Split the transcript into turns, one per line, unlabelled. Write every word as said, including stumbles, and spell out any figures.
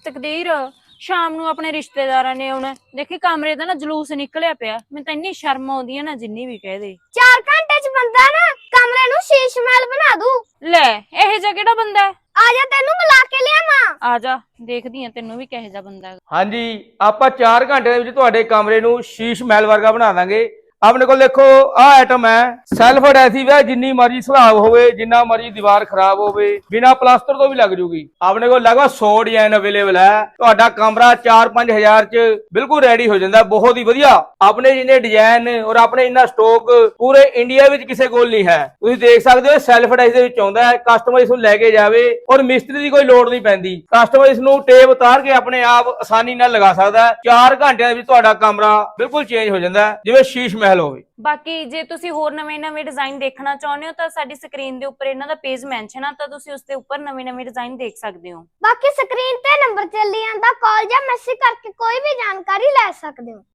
ਤਕਦੀਰ ਸ਼ਾਮ ਨੂੰ ਆਪਣੇ ਰਿਸ਼ਤੇਦਾਰਾਂ ਨੇ ਆਉਣਾ, ਦੇਖੀ ਕਮਰੇ ਦਾ ਨਾ ਜਲੂਸ ਨਿਕਲਿਆ ਪਿਆ। ਮੈਨੂੰ ਤਾਂ ਇੰਨੀ ਸ਼ਰਮ ਆਉਂਦੀ ਆ ਨਾ, ਜਿੰਨੀ ਵੀ ਕਹਿ ਦੇ।
ਚਾਰ ਘੰਟੇ ਚ ਬੰਦਾ ਨਾ ਕਮਰੇ ਨੂੰ ਸ਼ੀਸ਼ ਮਹਿਲ ਬਣਾ ਦੂ।
ਲੈ ਇਹ ਜਿਹਾ ਕਿਹੜਾ ਬੰਦਾ ਹੈ?
ਆ ਜਾ ਤੈਨੂੰ ਮਿਲਾ ਕੇ ਲਿਆਵਾਂ।
ਆ ਜਾ, ਦੇਖਦੀ ਆ ਤੈਨੂੰ ਵੀ ਕਿਹੋ ਜਿਹਾ ਬੰਦਾ ਹੈ।
ਹਾਂਜੀ, ਆਪਾਂ ਚਾਰ ਘੰਟੇ ਦੇ ਵਿੱਚ ਤੁਹਾਡੇ ਕਮਰੇ ਨੂੰ ਸ਼ੀਸ਼ ਮਹਿਲ ਵਰਗਾ ਬਣਾ ਦਾਂਗੇ। ਆਪਣੇ ਕੋਲ ਦੇਖੋ ਆਹ ਆਈਟਮ ਹੈ, ਸੈਲਫ ਅਡੈਸਿਵ ਹੈ, ਜਿੰਨੀ ਮਰਜ਼ੀ ਸਲਾਬ ਹੋਵੇ, ਜਿੰਨਾ ਮਰਜ਼ੀ ਦੀਵਾਰ ਖਰਾਬ ਹੋਵੇ, ਬਿਨਾ ਪਲਾਸਟਰ ਤੋਂ ਵੀ ਲੱਗ ਜੂਗੀ। ਆਪਣੇ ਕੋਲ ਲਗਭਗ ਸੌ ਡਿਜ਼ਾਈਨ ਅਵੇਲੇਬਲ ਹੈ। ਤੁਹਾਡਾ ਕਮਰਾ ਚਾਰ ਪੰਜ ਹਜ਼ਾਰ ਚ ਬਿਲਕੁਲ ਰੈਡੀ ਹੋ ਜਾਂਦਾ, ਬਹੁਤ ਹੀ ਵਧੀਆ। ਆਪਣੇ ਜਿੰਨੇ ਡਿਜ਼ਾਈਨ ਔਰ ਆਪਣੇ ਇੰਨਾ ਸਟਾਕ ਪੂਰੇ ਇੰਡੀਆ ਵਿੱਚ ਕਿਸੇ ਕੋਲ ਨਹੀਂ ਹੈ। ਤੁਸੀਂ ਦੇਖ ਸਕਦੇ ਹੋ ਸੈਲਫ ਅਡੈਸਿਵ ਦੇ ਵਿੱਚ ਆਉਂਦਾ ਹੈ, ਕਸਟਮਰ ਇਸ ਨੂੰ ਲੈ ਕੇ ਜਾਵੇ ਔਰ ਮਿਸਤਰੀ ਦੀ ਕੋਈ ਲੋੜ ਨਹੀਂ ਪੈਂਦੀ। ਕਸਟਮਰ ਇਸ ਨੂੰ ਟੇਪ ਉਤਾਰ ਕੇ ਆਪਣੇ ਆਪ ਆਸਾਨੀ ਨਾਲ ਲਗਾ ਸਕਦਾ ਹੈ। ਚਾਰ ਘੰਟਿਆਂ ਦੇ ਵਿੱਚ ਤੁਹਾਡਾ ਕਮਰਾ ਬਿਲਕੁਲ ਚੇਂਜ ਹੋ ਜਾਂਦਾ ਹੈ, ਜਿਵੇਂ ਸ਼ੀਸ਼ ਮਹਿਲ ਹੋਵੇ।
ਬਾਕੀ ਜੇ ਤੁਸੀਂ ਹੋਰ ਨਵੇਂ-ਨਵੇਂ ਡਿਜ਼ਾਈਨ ਦੇਖਣਾ ਚਾਹੁੰਦੇ ਹੋ ਤਾਂ ਸਾਡੀ ਸਕਰੀਨ ਦੇ ਉੱਪਰ ਇਹਨਾਂ ਦਾ ਪੇਜ ਮੈਂਸ਼ਨ ਆ, ਤਾਂ ਤੁਸੀਂ ਉਸ ਦੇ ਉੱਪਰ ਨਵੇਂ-ਨਵੇਂ ਡਿਜ਼ਾਈਨ ਦੇਖ ਸਕਦੇ ਹੋ।
ਬਾਕੀ ਸਕਰੀਨ ਤੇ ਨੰਬਰ ਚੱਲੀ ਜਾਂਦਾ, ਕਾਲ ਜਾਂ ਮੈਸੇਜ ਕਰਕੇ ਕੋਈ ਵੀ ਜਾਣਕਾਰੀ ਲੈ ਸਕਦੇ ਹੋ।